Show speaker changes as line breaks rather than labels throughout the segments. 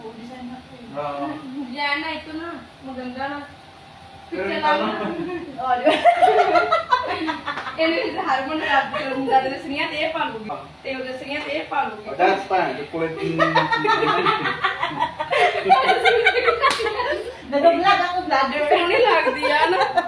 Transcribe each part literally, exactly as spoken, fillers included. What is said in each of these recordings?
Oo.
Yan na, ito na. Maganda na.
Pero
Picture
ito
lang
lang.
na. Oh, di ba? Anyway, harmon na lang. Kung dadalas niya, tayo palugi. Tayo dadalas niya, tayo palugi.
Oh, that's fine. The quality.
Nag-vlog ako, vlogger. Pero nilag, di yan.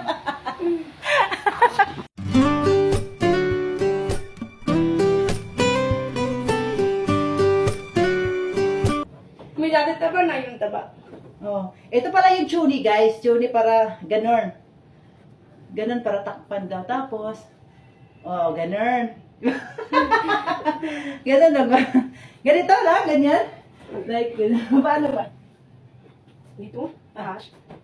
May dati taba na yung taba.
Oh, ito pala yung tuni, guys. Tuni para ganon. Ganon para takpan daw. Tapos, oh, ganon. Ganon lang ba? Ganito lang, ganyan. Like, ganun. Paano ba?
Dito?
Ah.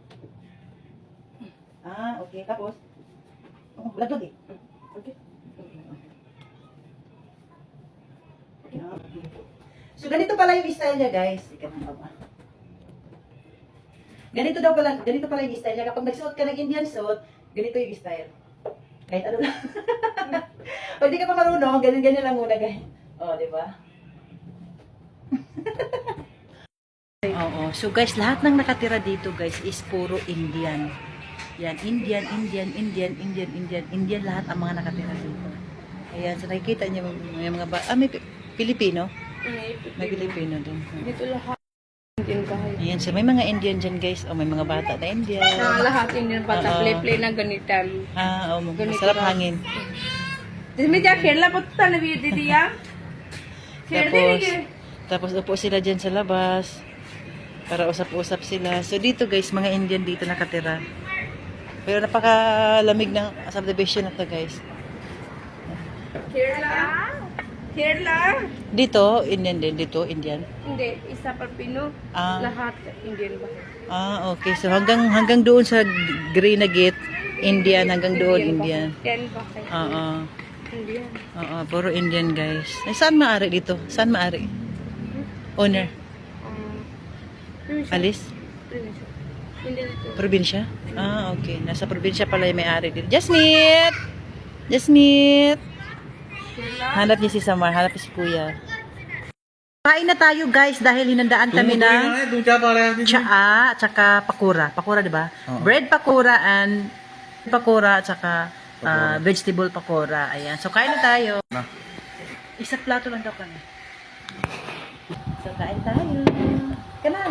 Ah, okay. Tapos, oh, lagod eh.
Okay.
Ah, okay. So, ganito pala yung style niya, guys. Ika na ba? Ganito daw pala, ganito pala yung style niya. Kapag nagsuot ka ng Indian suit, ganito yung style. Kahit ano lang. Pag di ka pa marunong, ganyan-ganyan lang muna, guys. Oh, di ba? Oo. So, guys, lahat ng nakatira dito, guys, is puro Indian. Yan, Indian, Indian, Indian, Indian, Indian, Indian, lahat ang mga nakatira dito. Ayan, so nakikita niyo may mga ba... Ah, may Pilipino? May Pilipino din.
Dito lahat. Indian bahay.
Ayan, so may mga Indian dyan, guys. O, may mga bata na Indian.
Na lahat Indian bata.
Oo.
Play-play na ganitan.
Ah, oh,
Ganito
masarap
lang.
hangin.
Dito dia खेलना पड़ता ना भी दीदी यार खेलते
Tapos,
नहीं
tapos upo sila dyan sa labas. Para usap-usap sila. So, dito, guys, mga Indian dito nakatira. Pero napakalamig ng subdivision na to, guys.
खेलना खेलना
Dito, Indian din. Dito, Indian.
hindi isa pa Pino
Ah.
lahat Indian ba
Ah, okay. So, hanggang hanggang doon sa green na gate, Indian. Hanggang doon, Indian.
ten ba kay
Oo.
Indian
Oo, puro Indian, guys. Eh, saan maari dito? Saan maari? Owner?
um
Alis?
hindi dito
Probinsya? Ah, okay. Nasa probinsya pala yung may-ari dito. Jasmine! Jasmine! Hanap niya si Samar. Hanap niya si Kuya. Kain na tayo, guys, dahil hinandaan kami ng tsaa, tsaka pakura. Pakura, di ba?
Oo.
Bread pakura and pakura, tsaka ah, vegetable pakura. Ayan. So, kain na tayo.
Na.
Isa plato lang daw kami. So, kain tayo. Kana.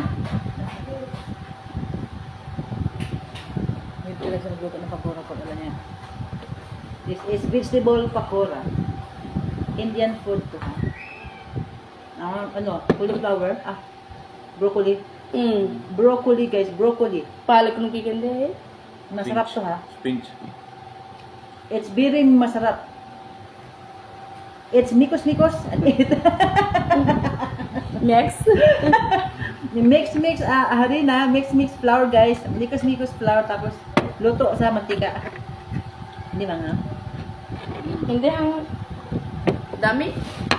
May pila sa nagluto ng pakura ko. Alam niya. This is vegetable pakura. Indian food to. Ah, ano? Cauliflower. Ah, broccoli.
mm
Broccoli, guys. Broccoli.
palak nung kikende
Masarap to, ha?
Pinch.
It's very masarap. It's mikos-mikos. And it
next
mix mix ah harina, mix mix flour, guys. Mikos mikos flour tapos luto sa mantika. Hindi ba nga?
hindi ang dami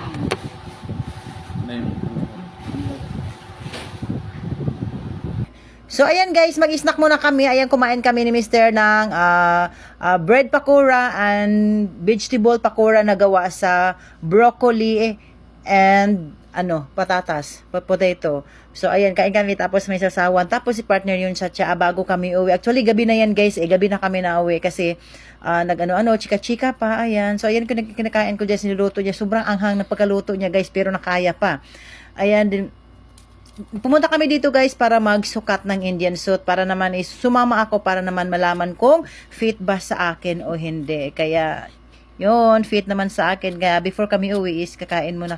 So ayan, guys, mag-snack muna kami. Ayan, kumain kami ni Mister ng ah, ah, bread pakura and vegetable pakura na gawa sa broccoli and ano, patatas, potato. So ayan, kain kami tapos may sasawan. Tapos si partner yun sa tsaa bago kami uwi. Actually, gabi na yan, guys. Eh, gabi na kami na uwi kasi ah, nag-ano-ano, chika-chika pa. Ayan. So ayan, kung kinakain ko dyan, sinuluto niya. Sobrang anghang ng pagkaluto niya, guys, pero nakaya pa. Ayan din. Pumunta kami dito, guys, para magsukat ng Indian suit, para naman is sumama ako para naman malaman kung fit ba sa akin o hindi. Kaya yun, fit naman sa akin. Kaya before kami uwi is kakain muna.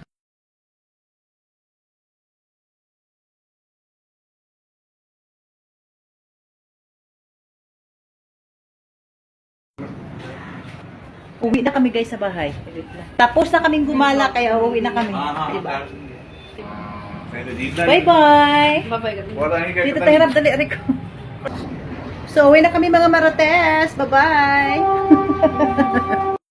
Uwi na kami, guys, sa bahay. Tapos na kaming gumala, kaya uwi na kami. Diba? Bye-bye!
babay ka
Dito tayo harap, dali, Rico. So, uwi na kami, mga Marites. Bye-bye!